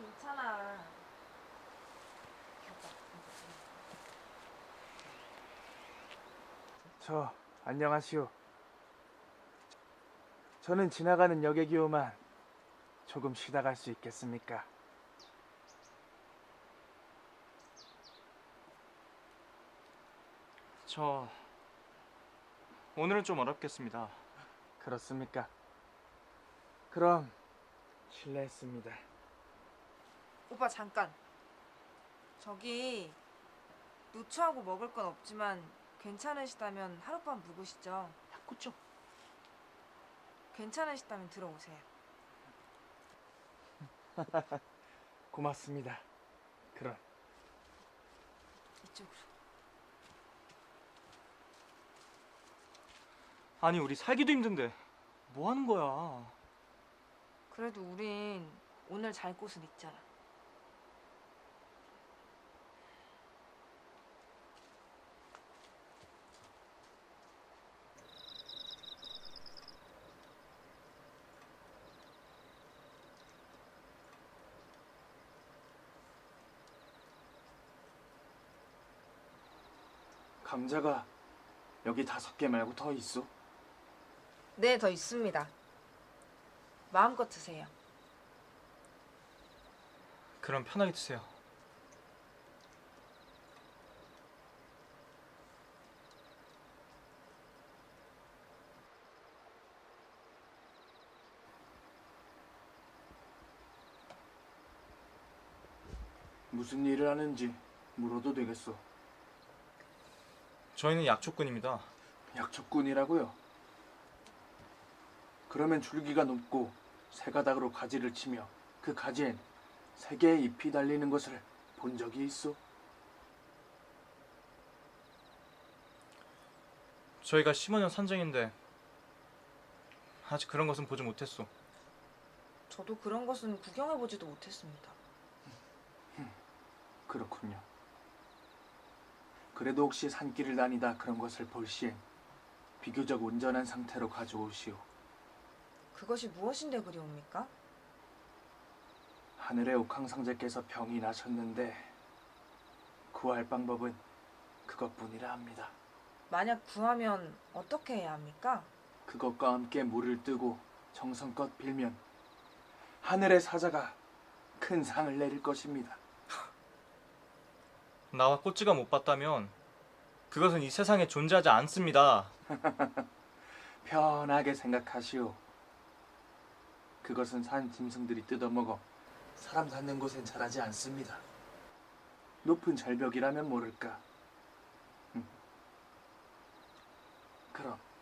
괜찮아. 안녕하시오. 저는 지나가는 여객이오만 조금 쉬다 갈 수 있겠습니까? 저 오늘은 좀 어렵겠습니다. 그렇습니까? 그럼 실례했습니다. 오빠 잠깐. 저기 누추하고 먹을 건 없지만 괜찮으시다면 하룻밤 묵으시죠. 야, 꾸쩍. 괜찮으시다면 들어오세요. 고맙습니다. 그럼 이쪽으로. 아니 우리 살기도 힘든데 뭐 하는 거야? 그래도 우린 오늘 잘 곳은 있잖아. 감자가 여기 5개 말고 더 있어? 네, 더 있습니다. 마음껏 드세요. 그럼 편하게 드세요. 무슨 일을 하는지 물어도 되겠어? 저희는 약초꾼입니다. 약초꾼이라고요? 그러면 줄기가 높고 새 가닥으로 가지를 치며 그 가지엔 3개의 잎이 달리는 것을 본 적이 있어? 저희가 15년 산정인데 아직 그런 것은 보지 못했소. 저도 그런 것은 구경해보지도 못했습니다. 그렇군요. 그래도 혹시 산길을 다니다 그런 것을 볼 시엔 비교적 온전한 상태로 가져오시오. 그것이 무엇인데 그리옵니까? 하늘의 옥황상제께서 병이 나셨는데 구할 방법은 그것뿐이라 합니다. 만약 구하면 어떻게 해야 합니까? 그것과 함께 물을 뜨고 정성껏 빌면 하늘의 사자가 큰 상을 내릴 것입니다. 나와 꽃지가 못 봤다면 그것은 이 세상에 존재하지 않습니다. 편하게 생각하시오. 그것은 산 짐승들이 뜯어먹어 사람 사는 곳엔 자라지 않습니다. 높은 절벽이라면 모를까. 그럼